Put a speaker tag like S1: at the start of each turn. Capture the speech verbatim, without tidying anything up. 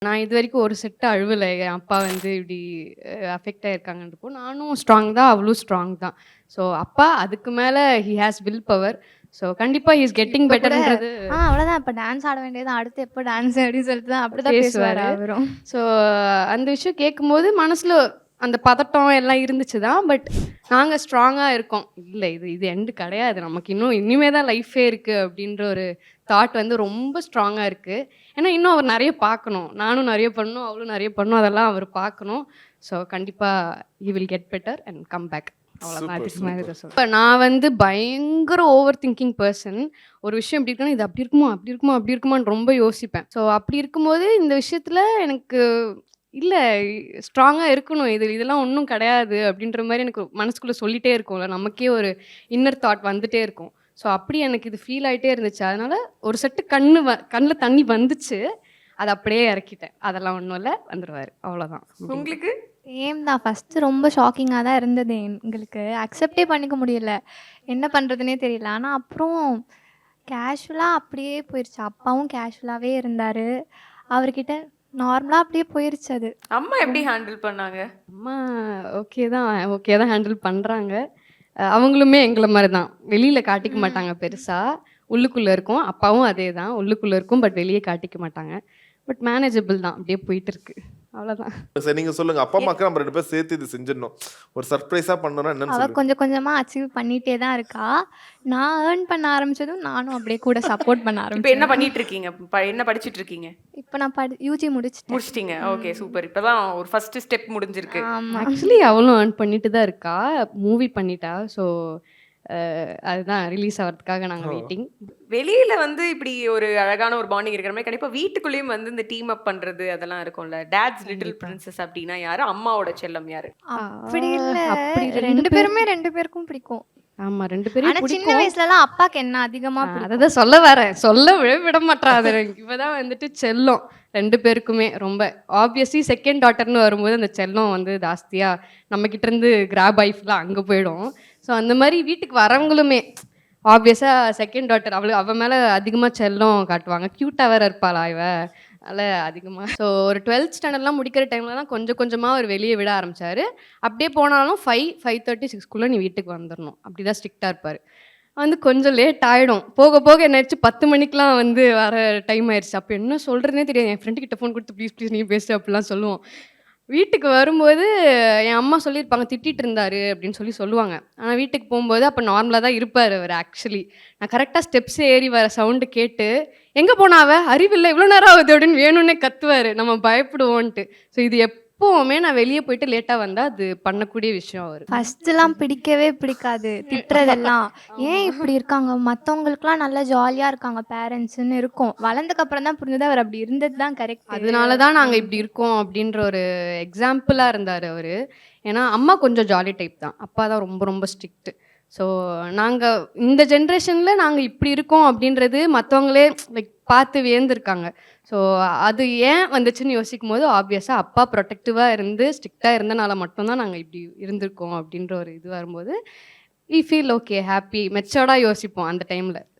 S1: நான் இதுவரைக்கும் ஒரு செட்டு அழுவல. என் அப்பா வந்து இப்படி அ அஃபெக்ட் ஆயிருக்காங்கன்றப்போ, நானும் ஸ்ட்ராங் தான், அவளும் ஸ்ட்ராங் தான். ஸோ அப்பா அதுக்கு மேல he has will power. So கண்டிப்பா ஹி இஸ் கெட்டிங்
S2: இப்ப கூட
S1: பெட்டர்ன்றது
S2: ஆ அவ்வளோதான். இப்ப டான்ஸ் ஆட வேண்டியது அடுத்து எப்போ டான்ஸ் அப்படின்னு சொல்லிட்டு தான் அப்படிதான் பேசுவாரு
S1: பேசுவாரு.
S2: அவரும்.
S1: ஸோ அந்த விஷயம் கேட்கும்போது மனசுல அந்த பதட்டம் எல்லாம் இருந்துச்சு தான். பட் நாங்க ஸ்ட்ராங்கா இருக்கோம். இல்ல இது இது எண்டு கிடையாது. நமக்கு இன்னும் இனிமே தான் லைஃபே இருக்கு அப்படின்ற ஒரு தாட் வந்து ரொம்ப ஸ்ட்ராங்கா இருக்கு. ஏன்னா இன்னும் அவர் நெறைய பார்க்கணும். நானும் நெறைய பண்ணணும், அவளும் நெறைய பண்ணணும். அதெல்லாம் அவர் பார்க்கணும். ஸோ கண்டிப்பா he will get better and come back. அவ்வளோதான்.
S3: சூப்பர்,
S1: அதுக்கு மேல
S3: சூப்பர்.
S1: இத சொல்ல. இப்ப நான் வந்து பயங்கர ஓவர் திங்கிங் பெர்சன். ஒரு விஷயம் எப்படி இருக்குன்னா, இது அப்படி இருக்குமா? அப்படி இருக்குமா? அப்படி இருக்குமான்னு ரொம்ப யோசிப்பேன். ஸோ அப்படி இருக்கும்போது இந்த விஷயத்துல எனக்கு இல்ல ஸ்ட்ராங்கா இருக்கணும். இது இதெல்லாம் ஒண்ணும் கிடையாது அப்படின்ற மாரி எனக்கு மனசுக்குள்ள சொல்லிட்டே இருக்கும்ல. நமக்கே ஒரு இன்னர் தாட் வந்துட்டே இருக்கும். ஸோ அப்படி எனக்கு இது ஃபீல் ஆயிட்டே இருந்துச்சு. அதனால ஒரு செட்டு கண்ணு வ கண்ல தண்ணி வந்துச்சு. அத அப்படியே இறக்கிட்டேன். அதெல்லாம் ஒண்ணும் இல்ல. வந்துருவாரு. அவ்வளோதான்.
S4: உங்களுக்கு?
S2: சேம் தான். ஃபர்ஸ்ட்டு ரொம்ப ஷாக்கிங்கா தான் இருந்தது எங்களுக்கு. அக்செப்டே பண்ணிக்க முடியல. என்ன பண்றதுன்னே தெரியல. ஆனா அப்புறம் கேஷுவலா அப்படியே போயிருச்சு. அப்பாவும் கேஷுவலாவே இருந்தாரு. அவர்கிட்ட நார்மலா அப்படியே போயிருச்சு அது.
S4: அம்மா எப்படி ஹேண்டில் பண்ணாங்க?
S1: அம்மா ஓகே தான். ஓகே தான் ஹேண்டில் பண்றாங்க. அ அவங்களுமே எங்கள மாரி தான். வெளியில காட்டிக்க
S2: ம்.
S1: மாட்டாங்க பெருசா. உள்ளுக்குள்ள இருக்கும். அப்பாவும் அதே தான். உள்ளுக்குள்ள இருக்கும். பட் வெளிய காட்டிக்க மாட்டாங்க. பட் மேனேஜபிள் தான். அப்படியே போயிட்டு இருக்கு. அவ்வளோதான்.
S3: சரி, நீங்க சொல்லுங்க. அப்பா, அம்மாக்கு நம்ம ரெண்டு பேரும் சேர்த்து இது செஞ்சிடணும். ஒரு சர்ப்ரைஸா பண்ணணும்னா என்னன்னு
S2: அவ
S3: சொல்லுங்க.
S2: கொஞ்சம் கொஞ்சமா அச்சீவ் பண்ணிட்டே தான் இருக்கா. நான் ஏர்ன் பண்ண ஆரம்பிச்சதும் நானும் அப்படியே கூட சப்போர்ட் பண்ண
S4: இப்ப என்ன
S2: ஆரம்பிச்சேன்.
S4: பண்ணிட்டு இருக்கீங்க? ப என்ன படிச்சிட்டு இருக்கீங்க?
S2: இப்ப நான் படி யூஜி முடிச்சுட்டேன்.
S4: முடிச்சிட்டீங்க. Okay super. இப்பதான் ஒரு ஃபர்ஸ்ட் ஸ்டெப் முடிஞ்சிருக்கு.
S2: ஆமா.
S1: ஆக்சுவலி அவளும் ஏர்ன் பண்ணிட்டு தான் இருக்கா. மூவி பண்ணிட்டா. ஸோ அ அதுதான் ரிலீஸ் ஆவறதுக்காக நாங்க
S3: ஓ.
S1: வெயிட்டிங்.
S4: வெளியில வந்து இப்படி ஒரு அழகான ஒரு பாண்டிங் இருக்கிற மாதிரி கண்டிப்பா வீட்டுக்குள்ளேயும் வந்து இந்த டீம் அப் பண்றது அதெல்லாம் இருக்கும்ல. டாட்ஸ் லிட்டில்
S1: கண்டிப்பா.
S4: பிரின்சஸ் அப்படின்னா யாரு? அம்மாவோட செல்லம் யாரு?
S2: அப்படி
S1: ஆ,
S2: இல்ல.
S1: அப்படி ரெண்டு
S2: ரெண்டு
S1: பேர்
S2: பேருமே ரெண்டு பேருக்கும் பிடிக்கும்.
S1: ஆமா ரெண்டு
S2: ஆனா
S1: பேரையும்
S2: சின்ன
S1: பிடிக்கும்.
S2: வயசுலலாம் அப்பாக்கு என்ன அதிகமா
S1: ஆ,
S2: பிடிக்கும்.
S1: அததான் சொல்ல வரேன். சொல்லவே விட மாட்றா. அது எனக்கு இப்பதான் வந்துட்டு செல்லம். ரெண்டு பேருக்குமே ரொம்ப ஆப்வியஸ்லி செகண்ட் டாட்டர்ன்னு வரும்போது அந்த செல்லம் வந்து ஜாஸ்தியா நம்ம கிட்ட இருந்து கிராப் ஆயி ஃபுல்லா அங்க போயிடும். ஸோ அந்த மாரி வீட்டுக்கு வரவங்களுமே ஆப்வியஸா செகண்ட் டாட்டர் அவளு அவ மேல அதிகமா செல்லம் காட்டுவாங்க. கியூட்டா வேற இருப்பாளா இவ. அதனால அதிகமா ஸோ ஒரு டுவெல்த் ஸ்டாண்டர்ட்லாம் முடிக்கிற டைம்ல தான் கொஞ்சம் கொஞ்சமா அவர் வெளிய விட ஆரம்பிச்சாரு. அப்படியே போனாலும் ஐந்து, ஐந்து முப்பது, ஆறுக்குள்ள நீ வீட்டுக்கு வந்துரணும். அப்படிதான் ஸ்ட்ரிக்ட்டா இருப்பாரு. வந்து கொஞ்சம் லேட் ஆயிடும். போக போக என்ன ஆயிடுச்சு பத்து மணிக்கெல்லாம் வந்து வர டைம் ஆயிருச்சு. அப்ப என்ன சொல்றதுன்னே தெரியாது. என் ஃப்ரெண்டு கிட்ட ஃபோன் குடுத்து ப்ளீஸ் ப்ளீஸ் நீ பேசு அப்படிலாம் சொல்லுவோம். வீட்டுக்கு வரும்போது என் அம்மா சொல்லியிருப்பாங்க, திட்டிட்டு இருந்தாரு அப்படின்னு சொல்லி சொல்லுவாங்க. ஆனா வீட்டுக்கு போம்போது அப்ப நார்மலா தான் இருப்பாரு அவரு ஆக்சுவலி. நான் கரெக்ட்டா ஸ்டெப்ஸ் ஏறி வர சவுண்ட் கேட்டு, "எங்க போனா அவ? அறிவில்ல இவ்ளோ நேரம் ஆகுது" அப்படின்னு வேணும்னே கத்துவாரு. நம்ம பயப்படுவோன்ட்டு. ஸோ இது எப்பவுமே நான் வெளிய போயிட்டு லேட்டா வந்தா அது பண்ணக்கூடிய விஷயம் அவரு.
S2: ஃபர்ஸ்ட்லாம் பிடிக்கவே பிடிக்காது. திட்டுறதெல்லாம். ஏன்
S1: ஆமா.
S2: இப்படி இருக்காங்க? மத்தவங்களுக்குலாம் நல்லா ஜாலியா இருக்காங்க பேரண்ட்ஸ்ன்னு இருக்கும். வளர்ந்ததுக்கு அப்புறம் தான் புரிஞ்சது அவர் அப்படி இருந்தது தான் கரெக்ட்.
S1: அதனால தான் நாங்க இப்படி இருக்கோம் அப்படின்ற ஒரு எக்ஸாம்பிளா இருந்தாரு அவரு. ஏன்னா அம்மா கொஞ்சம் ஜாலி டைப் தான். அப்பா தான் ரொம்ப ரொம்ப ஸ்ட்ரிக்ட். ஸோ நாங்க இந்த ஜென்ரேஷன்ல நாங்க இப்படி இருக்கோம் அப்படின்றது மத்தவங்களே லைக் பார்த்து வியந்திருக்காங்க. ஸோ அது ஏன் வந்துச்சுன்னு யோசிக்கும்போது ஆப்வியஸா அப்பா ப்ரொடெக்டிவா இருந்து ஸ்ட்ரிக்ட்டா இருந்தனால மட்டும் தான் நாங்க இப்படி இருந்திருக்கோம் அப்படின்ற ஒரு இது வரும்போது வி ஃபீல் ஓகே ஹாப்பி மெச்சூர்டா யோசிப்போம் அந்த டைம்ல.